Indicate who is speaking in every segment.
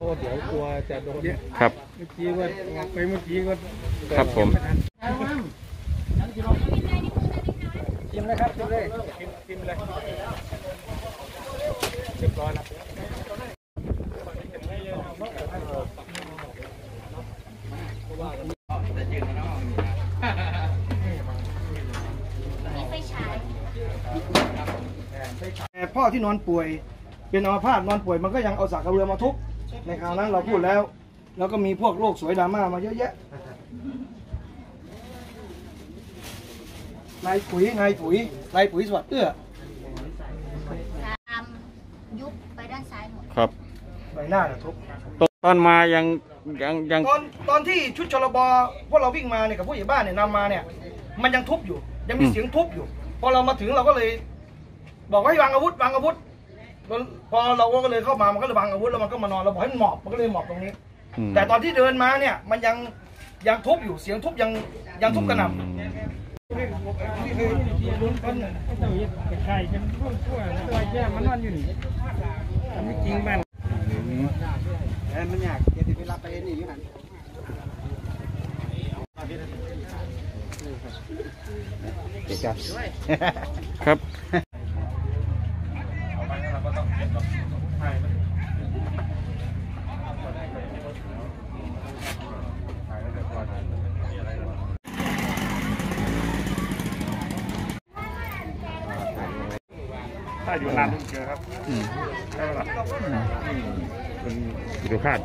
Speaker 1: เดี๋ยวกลัวจะโดน
Speaker 2: ครับ
Speaker 1: เมื่อกี้ว่าไปเมื่อกี้ก็
Speaker 2: ครับผม
Speaker 1: กินเลยครับกินเลยกินเลยเรียบร้อยแล้ว
Speaker 3: พ่อที่นอนป่วยเป็นอัมพาตนอนป่วยมันก็ยังเอาสากกระเบือมาทุบในคราวนั้นเราพูดแล้วแล้วก็มีพวกโลกสวยดราม่ามาเยอะแยะนายปุ๋ยสวัสดิ์เอื้อ
Speaker 4: ตามยุบไปด้านซ้ายหมด
Speaker 2: ครับ
Speaker 3: ใบหน้าทุบ
Speaker 2: ตอนมายัง
Speaker 3: ตอนที่ชุดชลบพวกเราวิ่งมาเนี่ยกับผู้ใหญ่บ้านเนี่ยนำมาเนี่ยมันยังทุบอยู่ยังมีเสียงทุบอยู่พอเรามาถึงเราก็เลยบอกว่าให้วางอาวุธพอเราก็เลยเข้ามามันก็เลยวางอาวุธแล้วมันก็มานอนเราบอกให้มันหมอบมันก็เลยหมอบตรงนี้แต่ตอนที่เดินมาเนี่ยมันยังทุบอยู่เสียงทุบยังทุบกระหน่ำ
Speaker 1: ใช่ฉันพูดตัวแย่มันนอนอยู่นี่ไม่จริงมันมันอยากจะไปรับไปนี่อยู่นั่น
Speaker 2: ครับ
Speaker 1: ถ้าอยู่นานต้องเจอครับใช่ไหมล่ะคุณดูคาด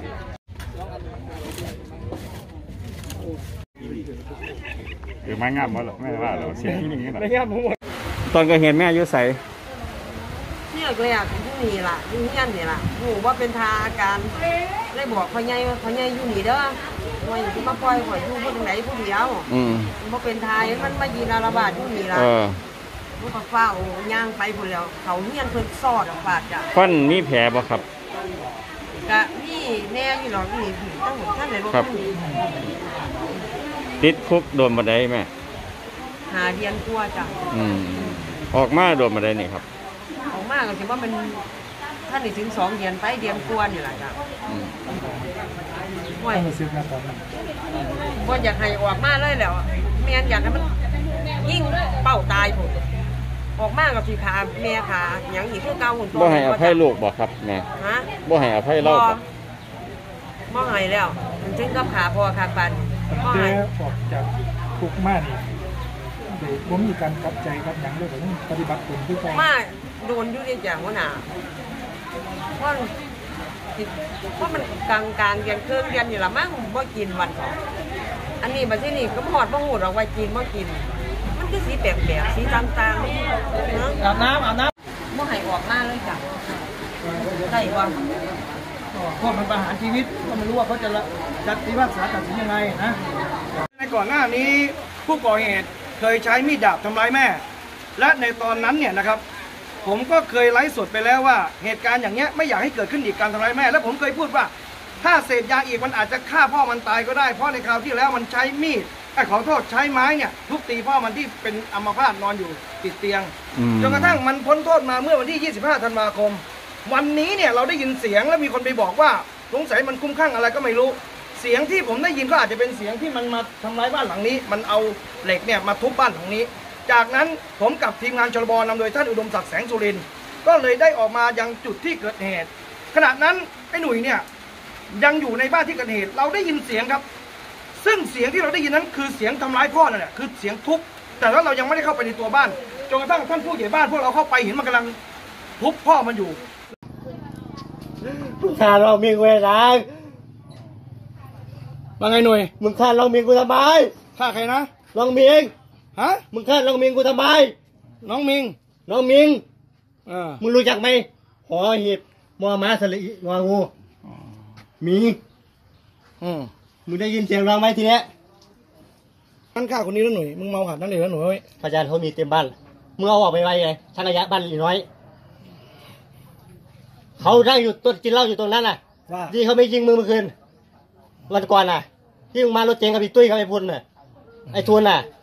Speaker 1: คือไม้งามมั้งหรอไม่ว่าเราเสียงที่นี่หรอไม่งามหมด
Speaker 2: ตอนก็เห็นแม่อายุใส
Speaker 5: เนี่ยเลยอ่ะที่นี่ล่ะที่นี่นี่ล่ะหนูว่าเป็นทาการได้บอกพ่อใหญ่อยู่นี่เด้อว่าอยู่ที่มาปล่อยข่อยอยู่ผู้ไหนผู้เดียวว่าเป็นทายมันมายีนาระบาดอยู่นี่ล่ะลูกฟ้าย่างไปพุ่นแล้วเขาเฮียนเพิ่นซอดฝาดจ้ะ
Speaker 2: ฟันมีแผลบ่ครับ
Speaker 5: กะนี่แน่อยู่หรอกนี่ต้องหมดท่านในรถ
Speaker 2: ติดคุกโดนบันไดแม่
Speaker 5: หาเรียนกลัวจ้ะ
Speaker 2: ออกมาโดนบันไดนี่ครับ
Speaker 5: ออกมาก็ถือว่ามันท่านนี่ถึง2 เดือนไปเดือนกลัวนี่แหละจ้ะว่าอยากให้ออกมาเลยแล้วแม่อยากให้มันยิ่งเป้าตายผมออกมากับสีขาแม่ขาอย่างอีกคือเก่าหุ่น
Speaker 2: บ่ให้อภัยลูกบ่ครับแม่บ่ให้อภัยเรา
Speaker 5: บ่ให้แล้วมันถึงกับขาพอขาปัน
Speaker 1: บ่ให้ออกจากคุกมานี่ผมมีการกลับใจกับอย่างเลยผมปฏิบัติตนทุกอย่าง
Speaker 5: มาโดนอยู่ในอย่างว่าหนาเพราะมันกลางเดือนเครื่องเดือนนี่ละมั้งบ่กินวันสองอันนี้มาที่นี่ก็หอดบ่หูดออกไว้กินบ่กินมันคือสีแปลกๆสีต่างๆ
Speaker 3: เนาะอาบน้
Speaker 5: ำบ่ให้ออกมาเลยจ้ะได้ว่า
Speaker 3: พวกมันประหารชีวิตก็ไม่รู้ว่าเขาจะพิพากษาตัดสินยังไงนะในก่อนหน้านี้ผู้ก่อเหตุเคยใช้มีดดาบทำร้ายแม่และในตอนนั้นเนี่ยนะครับผมก็เคยไลฟ์สดไปแล้วว่าเหตุการณ์อย่างเงี้ยไม่อยากให้เกิดขึ้นอีกการทำร้ายแม่และผมเคยพูดว่าถ้าเสพยาอีกมันอาจจะฆ่าพ่อมันตายก็ได้เพราะในคราวที่แล้วมันใช้มีดขอโทษใช้ไม้เนี่ยทุบตีพ่อมันที่เป็นอัมพาตนอนอยู่ติดเตียงจนกระทั่งมันพ้นโทษมาเมื่อวันที่25 ธันวาคมวันนี้เนี่ยเราได้ยินเสียงแล้วมีคนไปบอกว่าสงสัยมันคุ้มข้างอะไรก็ไม่รู้เสียงที่ผมได้ยินก็อาจจะเป็นเสียงที่มันมาทำร้ายบ้านหลังนี้มันเอาเหล็กเนี่ยมาทุบบ้านหลังนี้จากนั้นผมกับทีมงานชลบนำโดยท่านอุดมศักดิ์แสงสุรินทร์ก็เลยได้ออกมายังจุดที่เกิดเหตุขณะนั้นไอ้หนุ่ยเนี่ยยังอยู่ในบ้านที่เกิดเหตุเราได้ยินเสียงครับซึ่งเสียงที่เราได้ยินนั้นคือเสียงทำร้ายพ่อนั่นแหละคือเสียงทุบแต่ว่าเรายังไม่ได้เข้าไปในตัวบ้านจนกระทั่งท่านผู้ใหญ่บ้านพวกเราเข้าไปเห็นมันกำลังทุบพ่อมันอยู่
Speaker 6: ฆ่าเราเมียกูไง
Speaker 3: ว่าไงหนุ่ย
Speaker 6: มึงฆ่าเราเมียกูทำไม
Speaker 3: ฆ่าใครนะ
Speaker 6: ลองเมียง
Speaker 3: ฮะ
Speaker 6: มึงฆ่าลองเมียกูทำไม
Speaker 3: น้องมิง
Speaker 6: มึงรู้จักไหมหอหีบมอม้าสลีงองูมีมึงได้ยินเสียงร้องไหมทีเนี้ย
Speaker 3: นั่นฆ่าคนนี้แล้วหนุ่ยมึงเมาหัดนั่นเลยแล้วหนุ่ย
Speaker 6: พยานเขามีเต็มบ้านมึงเอาออกไปไว้ไงช่างระยะบ้านอีน้อยเขานั่งอยู่ต้นกินเหล้าอยู่ตรงนั้นน่ะที่เขาไม่ยิงมึงเมื่อคืนวันก่อนน่ะที่มึงมารถเจ๊งกับพี่ตุ้ยกับไอ้พุนน่ะไอ้ทุนน่ะ